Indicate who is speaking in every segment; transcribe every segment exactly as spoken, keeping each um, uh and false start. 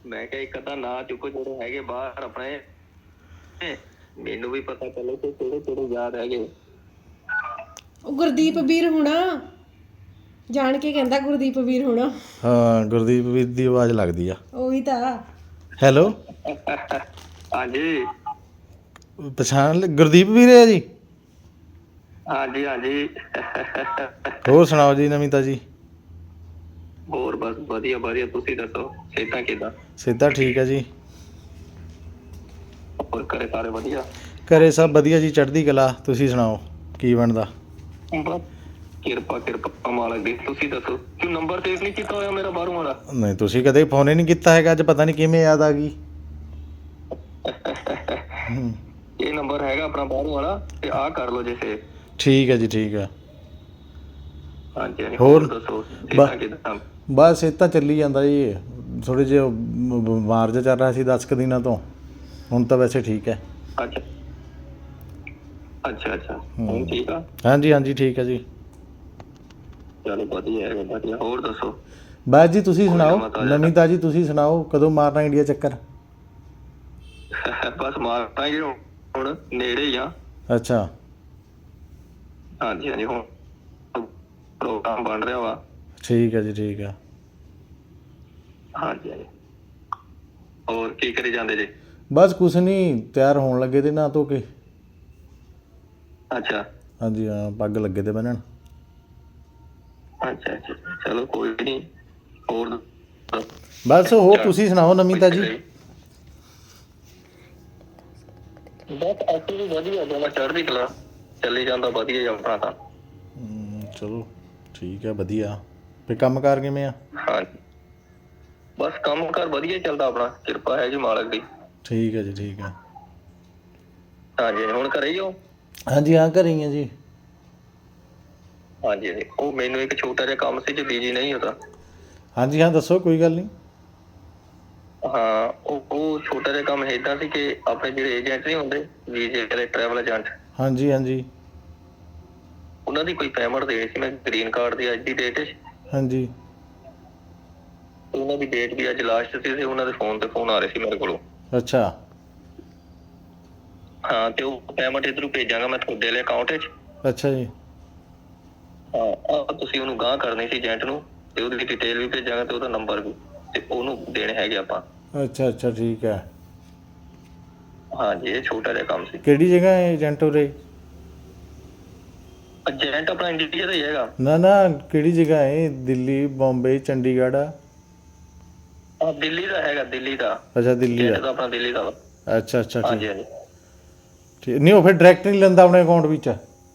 Speaker 1: ਮੈਂ ਕਿਹਾ ਇੱਕ ਅੱਧਾ ਨਾਂ ਚੁੱਕੋ ਜਿਹੜੇ ਹੈਗੇ ਬਾਹਰ ਆਪਣੇ, ਮੈਨੂੰ ਵੀ ਪਤਾ ਚੱਲੇ ਕਿ ਕਿਹੜੇ ਕਿਹੜੇ ਯਾਦ ਹੈਗੇ।
Speaker 2: ਉਹ ਗੁਰਦੀਪ ਵੀਰ ਹੋਣਾ, ਜਾਣ ਕੇ ਕਹਿੰਦਾ ਗੁਰਦੀਪ ਵੀਰ ਹੋਣਾ।
Speaker 3: ਹਾਂ ਗੁਰਦੀਪ ਵੀਰ ਦੀ ਆਵਾਜ਼ ਲੱਗਦੀ ਆ।
Speaker 2: ਉਹੀ ਤਾਂ।
Speaker 3: ਹੈਲੋ
Speaker 1: ਹਾਂਜੀ
Speaker 3: ਪਛਾਣ ਲ ਗੁਰਦੀਪ ਵੀਰ ਹੈ ਜੀ।
Speaker 1: ਹਾਂਜੀ ਹਾਂਜੀ।
Speaker 3: ਹੋਰ ਸੁਣਾਓ ਜੀ ਨਵੀਂ ਤਾਜੀ।
Speaker 1: ਹੋਰ ਬਸ ਵਧੀਆ ਵਧੀਆ, ਤੁਸੀਂ ਦੱਸੋ ਸਿਹਤਾਂ ਕਿੱਦਾਂ?
Speaker 3: ਸਿੱਧਾ ਠੀਕ ਹੈ ਜੀ।
Speaker 1: ਹੋਰ ਘਰੇ ਸਾਰੇ ਵਧੀਆ?
Speaker 3: ਘਰੇ ਸਭ ਵਧੀਆ ਜੀ, ਚੜ੍ਹਦੀ ਕਲਾ। ਤੁਸੀਂ ਸੁਣਾਓ ਕੀ ਬਣਦਾ?
Speaker 1: ਬਸ ਕਿਰਪਾ ਕਿਰਪਾ ਮਾਲਕ ਦੀ। ਤੁਸੀਂ ਦੱਸੋ ਕਿਉਂ ਨੰਬਰ ਸੇਵ ਨਹੀਂ ਕੀਤਾ ਹੋਇਆ ਮੇਰਾ ਬਾਹਰੋਂ ਵਾਲਾ?
Speaker 3: ਨਹੀਂ ਤੁਸੀਂ ਕਦੇ ਫੋਨ ਹੀ ਨਹੀਂ ਕੀਤਾ ਹੈਗਾ, ਅੱਜ ਪਤਾ ਨਹੀਂ ਕਿਵੇਂ ਯਾਦ ਆ ਗਈ। ਹੂੰ
Speaker 1: ਇਹ ਨੰਬਰ ਹੈਗਾ ਆਪਣਾ ਬਾਹਰੋਂ ਵਾਲਾ, ਤੇ ਆਹ ਕਰ ਲਓ ਜੇ ਸੇਵ।
Speaker 3: ਠੀਕ ਹੈ ਜੀ ਠੀਕ ਹੈ।
Speaker 1: ਹਾਂਜੀ ਹਾਂਜੀ।
Speaker 3: ਹੋਰ
Speaker 1: ਹੋਰ ਦੱਸੋ
Speaker 3: ਬ
Speaker 1: ਸਿਹਤਾਂ ਕਿੱਦਾਂ?
Speaker 3: ਬਸ ਇਹ ਤਾਂ ਚੱਲੀ ਜਾਂਦਾ ਜੀ, ਥੋੜ੍ਹੇ ਜਿਹੇ ਬ- ਬਿਮਾਰ ਜਿਹਾ ਚੱਲ ਰਿਹਾ ਸੀ ਦਸ ਕੁ ਦਿਨਾਂ ਤੋਂ, ਹੁਣ ਤਾਂ ਵੈਸੇ ਠੀਕ ਹੈ।
Speaker 1: ਅੱਛਾ ਅੱਛਾ ਅੱਛਾ। ਹੁਣ ਠੀਕ ਆ?
Speaker 3: ਹਾਂਜੀ ਹਾਂਜੀ ਠੀਕ ਹੈ ਜੀ।
Speaker 1: ਚਲੋ ਵਧੀਆ ਹੈਗਾ ਵਧੀਆ। ਹੋਰ ਦੱਸੋ?
Speaker 3: ਬਸ ਜੀ ਤੁਸੀਂ
Speaker 1: ਕੋਈ
Speaker 3: ਸੁਣਾਓ
Speaker 1: ਨਵਾਂ ਤਾਜ਼ਾ?
Speaker 3: ਨਵੀਂ ਤਾਜੀ, ਤੁਸੀਂ ਸੁਣਾਓ ਕਦੋਂ ਮਾਰਨਾ ਇੰਡੀਆ ਚੱਕਰ?
Speaker 1: ਬਸ ਮਾਰਨਾ ਹੀ ਹੁਣ, ਨੇੜੇ ਹੀ ਆ।
Speaker 3: ਅੱਛਾ
Speaker 1: ਹਾਂਜੀ ਹਾਂਜੀ। ਹੁਣ ਪ੍ਰੋਗਰਾਮ ਬਣ ਰਿਹਾ ਵਾ।
Speaker 3: ਠੀਕ ਹੈ ਜੀ ਠੀਕ ਹੈ।
Speaker 1: ਹਾਂਜੀ ਹਾਂਜੀ। ਹੋਰ ਕੀ ਕਰੀ ਜਾਂਦੇ ਜੀ?
Speaker 3: ਬਸ ਕੁਛ ਨਹੀਂ, ਤਿਆਰ ਹੋਣ ਲੱਗੇ ਤੇ ਨਹਾ ਧੋ ਕੇ।
Speaker 1: ਅੱਛਾ
Speaker 3: ਹਾਂਜੀ ਹਾਂ, ਪੱਗ ਲੱਗੇ ਤੇ ਬੰਨਣ।
Speaker 1: ਅੱਛਾ ਅੱਛਾ। ਚਲੋ ਕੋਈ ਨਹੀਂ। ਹੋਰ
Speaker 3: ਬਸ ਹੋਰ ਤੁਸੀਂ ਸੁਣਾਓ ਨਵੀਂ ਤਾਜੀ।
Speaker 1: ਬਸ ਅਸੀਂ ਵੀ ਵਧੀਆ, ਦੋਨਾਂ ਚੜ੍ਹਦੀ ਕਲਾ, ਚੱਲੀ ਜਾਂਦਾ ਵਧੀਆ ਹੀ ਆਪਣਾ ਤਾਂ।
Speaker 3: ਹਮ, ਚਲੋ ਠੀਕ ਹੈ ਵਧੀਆ। ਫਿਰ ਕੰਮ ਕਾਰ ਕਿਵੇਂ ਆ?
Speaker 1: ਹਾਂਜੀ ਬਸ ਕੰਮ ਕਾਰ ਵਧੀਆ ਚੱਲਦਾ ਆਪਣਾ, ਕਿਰਪਾ ਹੈ ਜੀ ਮਾਲਕ ਦੀ।
Speaker 3: ਠੀਕ ਹੈ ਜੀ ਠੀਕ ਹੈ।
Speaker 1: ਹਾਂਜੀ ਹੁਣ ਘਰੇ ਹੀ ਹੋ?
Speaker 3: ਹਾਂਜੀ ਹਾਂ ਘਰੇ ਹੀ ਆ ਜੀ।
Speaker 1: ਹਾਂਜੀ ਹਾਂਜੀ। ਉਹ ਮੈਨੂੰ ਇੱਕ ਛੋਟਾ ਜਿਹਾ ਕੰਮ ਸੀ, ਜੇ ਬਿਜੀ ਨਹੀਂ ਹੁੰਦਾ।
Speaker 3: ਹਾਂਜੀ ਹਾਂ ਦੱਸੋ ਕੋਈ ਗੱਲ ਨਹੀਂ।
Speaker 1: ਹਾਂ ਉਹ ਉਹ ਛੋਟਾ ਜਿਹਾ ਕੰਮ ਏਦਾਂ ਸੀ ਕਿ ਆਪਣੇ ਜਿਹੜੇ ਏਜੰਟ ਨਹੀਂ ਹੁੰਦੇ, ਵੀਜ਼ੇ ਵਾਲੇ ਟਰੈਵਲ ਏਜੰਟ,
Speaker 3: ਹਾਂਜੀ ਹਾਂਜੀ
Speaker 1: ਉਹਨਾਂ ਦੀ ਕੋਈ ਪੇਮੈਂਟ ਦੇਣੀ ਸੀ ਮੈਂ, ਗ੍ਰੀਨ ਕਾਰਡ ਦੀ ਅੱਜ ਦੀ ਡੇਟ ਵਿੱਚ।
Speaker 3: ਹਾਂਜੀ
Speaker 1: ਉਹਨਾਂ ਦੀ ਡੇਟ ਵੀ ਅੱਜ ਲਾਸਟ ਸੀ, ਤੇ ਉਹਨਾਂ ਦੇ ਫੋਨ ਤੇ ਫੋਨ ਆ ਰਹੇ ਸੀ ਮੇਰੇ ਕੋਲੋਂ।
Speaker 3: ਅੱਛਾ
Speaker 1: ਹਾਂ ਤੇ ਉਹ ਪੇਮੈਂਟ ਇੱਧਰੋਂ ਭੇਜਾਂਗਾ ਮੈਂ ਤੁਹਾਡੇ ਵਾਲੇ ਅਕਾਊਂਟ ਵਿੱਚ।
Speaker 3: ਅੱਛਾ ਜੀ
Speaker 1: ਹਾਂ ਆਹ ਤੁਸੀਂ ਉਹਨੂੰ ਗਾਂਹ ਕਰਨੀ ਸੀ ਏਜੰਟ ਨੂੰ, ਤੇ ਉਹਦੀ ਡਿਟੇਲ ਵੀ ਭੇਜਾਂਗਾ ਤੇ ਉਹਦਾ ਨੰਬਰ ਵੀ, ਤੇ ਉਹਨੂੰ ਦੇਣੇ ਹੈਗੇ ਆਪਾਂ।
Speaker 3: ਅੱਛਾ ਅੱਛਾ ਠੀਕ ਹੈ।
Speaker 1: ਹਾਂਜੀ ਇਹ ਛੋਟਾ ਜਿਹਾ ਕੰਮ ਸੀ।
Speaker 3: ਕਿਹੜੀ ਜਗ੍ਹਾ ਹੈ ਏਜੰਟ ਉਰੇ?
Speaker 1: ਏਜੰਟ ਆਪਣਾ ਇੰਡੀਆ ਦਾ ਹੀ ਹੈਗਾ।
Speaker 3: ਨਾ ਨਾ ਕਿਹੜੀ ਜਗ੍ਹਾ ਹੈ, ਦਿੱਲੀ, ਬੰਬਈ, ਚੰਡੀਗੜ੍ਹ ਆ?
Speaker 1: ਆਹ ਦਿੱਲੀ ਦਾ ਹੈਗਾ, ਦਿੱਲੀ ਦਾ।
Speaker 3: ਅੱਛਾ ਦਿੱਲੀ
Speaker 1: ਏਜੰਟ
Speaker 3: ਦਾ।
Speaker 1: ਤਾਂ ਆਪਣਾ ਦਿੱਲੀ ਦਾ ਵਾ।
Speaker 3: ਅੱਛਾ ਅੱਛਾ ਠੀਕ
Speaker 1: ਹਾਂਜੀ ਹਾਂਜੀ।
Speaker 3: ਠੀਕ। ਨਹੀਂ ਉਹ ਫਿਰ ਡਾਇਰੈਕਟ ਨਹੀਂ ਲੈਂਦਾ ਆਪਣੇ ਅਕਾਊਂਟ ਵਿੱਚ?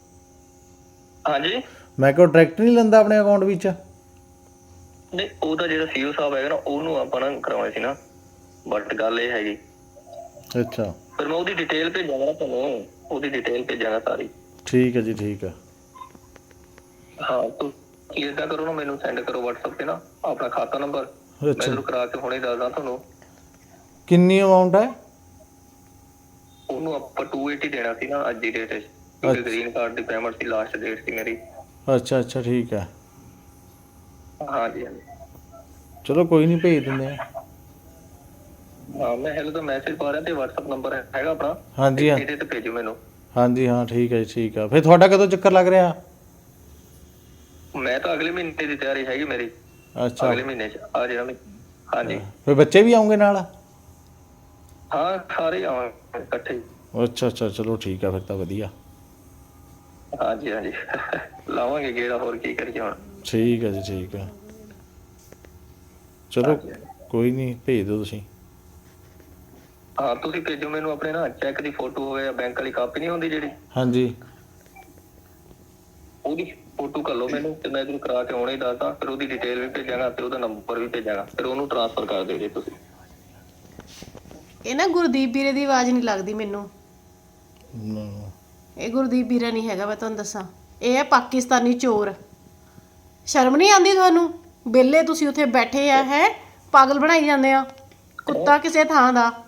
Speaker 1: ਹਾਂਜੀ
Speaker 3: ਮੈਂ ਕਿਹਾ ਡਾਇਰੈਕਟ ਨਹੀਂ ਲੈਂਦਾ ਆਪਣੇ ਅਕਾਊਂਟ ਵਿੱਚ?
Speaker 1: ਨਹੀਂ ਉਹਦਾ ਜਿਹੜਾ ਸੀਓ ਸਾਹਿਬ ਹੈਗਾ ਨਾ, ਉਹਨੂੰ ਆਪਾਂ ਨਾ ਕਰਾਉਣੇ ਸੀ ਨਾ, ਬਟ ਗੱਲ ਇਹ ਹੈਗੀ।
Speaker 3: ਅੱਛਾ
Speaker 1: ਫਿਰ ਮੈਂ ਉਹਦੀ ਡਿਟੇਲ ਭੇਜਾਂਗਾ ਨਾ ਤੁਹਾਨੂੰ, ਉਹਦੀ ਡਿਟੇਲ ਭੇਜਾਂਗਾ ਸਾਰੀ।
Speaker 3: ਠੀਕ ਹੈ ਜੀ ਠੀਕ ਹੈ।
Speaker 1: ਹਾਂ ਤੁਸੀਂ ਏਦਾਂ ਕਰੋ ਨਾ, ਮੈਨੂੰ ਸੈਂਡ ਕਰੋ ਵਟਸਐਪ ਤੇ ਨਾ ਆਪਣਾ ਖਾਤਾ ਨੰਬਰ, ਮੈਂ
Speaker 3: ਅੱਛਾ
Speaker 1: ਇੱਧਰੋਂ ਕਰਾ ਕੇ ਹੁਣੇ ਦੱਸਦਾ ਤੁਹਾਨੂੰ।
Speaker 3: ਕਿੰਨੀ ਅਮਾਊਂਟ ਹੈ?
Speaker 1: ਉਹਨੂੰ ਆਪਾਂ ਟੂ ਏਟੀ ਦੇਣਾ ਸੀ ਨਾ ਅੱਜ ਦੀ ਡੇਟ ਵਿੱਚ, ਕਿਉਂਕਿ
Speaker 3: ਅੱਛਾ
Speaker 1: ਗ੍ਰੀਨ ਕਾਰਡ ਦੀ ਪੇਮੈਂਟ ਸੀ, ਲਾਸਟ ਡੇਟ ਸੀ ਮੇਰੀ।
Speaker 3: ਅੱਛਾ ਅੱਛਾ ਠੀਕ ਹੈ।
Speaker 1: ਹਾਂਜੀ ਹਾਂਜੀ।
Speaker 3: ਚਲੋ ਕੋਈ ਨਹੀਂ ਭੇਜ ਦਿੰਦੇ ਹਾਂ।
Speaker 1: ਹਾਂ ਮੈਂ ਹੈਲੋ ਦਾ ਮੈਸੇਜ ਪਾ ਰਿਹਾ, ਤੇ ਵਟਸਐਪ ਨੰਬਰ ਹੈਗਾ ਆਪਣਾ,
Speaker 3: ਹਾਂਜੀ ਹਾਂ
Speaker 1: ਇਹਦੇ ਤੇ ਭੇਜੋ ਮੈਨੂੰ।
Speaker 3: ਹਾਂਜੀ ਹਾਂ ਠੀਕ ਹੈ ਜੀ ਠੀਕ ਆ। ਫਿਰ ਤੁਹਾਡਾ ਕਦੋਂ ਚੱਕਰ ਲੱਗ ਰਿਹਾ?
Speaker 1: ਮੈਂ ਤਾਂ ਅਗਲੇ ਮਹੀਨੇ ਦੀ ਤਿਆਰੀ ਹੈਗੀ ਮੇਰੀ,
Speaker 3: ਅੱਛਾ
Speaker 1: ਅਗਲੇ ਮਹੀਨੇ ਚ ਆ ਜਾਣਾ। ਹਾਂਜੀ
Speaker 3: ਫਿਰ ਬੱਚੇ ਵੀ ਆਉਂਗੇ ਨਾਲ?
Speaker 1: ਹਾਂ ਸਾਰੇ ਆਵਾਂਗੇ ਇਕੱਠੇ ਹੀ।
Speaker 3: ਅੱਛਾ ਅੱਛਾ ਚਲੋ ਠੀਕ ਆ ਫਿਰ ਤਾਂ ਵਧੀਆ।
Speaker 1: ਹਾਂਜੀ ਹਾਂਜੀ ਲਾਵਾਂਗੇ ਗੇੜਾ, ਹੋਰ ਕੀ ਕਰੀਏ ਹੁਣ।
Speaker 3: ਠੀਕ ਹੈ ਜੀ ਠੀਕ ਹੈ। ਚਲੋ
Speaker 1: ਹਾਂਜੀ ਹਾਂਜੀ।
Speaker 3: ਕੋਈ ਨਹੀਂ ਭੇਜ ਦਿਓ ਤੁਸੀਂ।
Speaker 1: ਹਾਂ ਤੁਸੀਂ ਭੇਜੋ ਮੈਨੂੰ ਆਪਣੇ ਨਾ ਚੈੱਕ ਦੀ ਫੋਟੋ ਹੋਵੇ, ਜਾਂ ਬੈਂਕ ਵਾਲੀ ਕਾਪੀ ਨਹੀਂ ਹੁੰਦੀ ਜਿਹੜੀ,
Speaker 3: ਹਾਂਜੀ
Speaker 1: ਉਹਦੀ ਫੋਟੋ ਕਰ ਲਓ ਮੈਨੂੰ, ਤੇ ਮੈਂ ਇੱਧਰੋਂ ਕਰਾ ਕੇ ਹੁਣੇ ਹੀ ਦੱਸਦਾ। ਫਿਰ ਉਹਦੀ ਡਿਟੇਲ ਵੀ ਭੇਜਾਂਗਾ, ਤੇ ਉਹਦਾ ਨੰਬਰ ਵੀ ਭੇਜਾਂਗਾ, ਫਿਰ ਉਹਨੂੰ ਟ੍ਰਾਂਸਫਰ ਕਰ ਦਿਓ ਜੀ ਤੁਸੀਂ।
Speaker 2: ਇਹ ਨਾ ਗੁਰਦੀਪ ਵੀਰੇ ਦੀ ਆਵਾਜ਼ ਨਹੀਂ ਲੱਗਦੀ ਮੈਨੂੰ।
Speaker 3: ਨਾ,
Speaker 2: ਇਹ ਗੁਰਦੀਪ ਵੀਰਾ ਨਹੀਂ ਹੈਗਾ, ਮੈਂ ਤੁਹਾਨੂੰ ਦੱਸਾਂ। ਇਹ ਹੈ ਪਾਕਿਸਤਾਨੀ ਚੋਰ। ਸ਼ਰਮ ਨਹੀਂ ਆਉਂਦੀ ਤੁਹਾਨੂੰ? ਵਿਹਲੇ ਤੁਸੀਂ ਉੱਥੇ ਬੈਠੇ ਆ, ਹੈ ਪਾਗਲ ਬਣਾਈ ਜਾਂਦੇ ਆ, ਕੁੱਤਾ ਕਿਸੇ ਥਾਂ ਦਾ।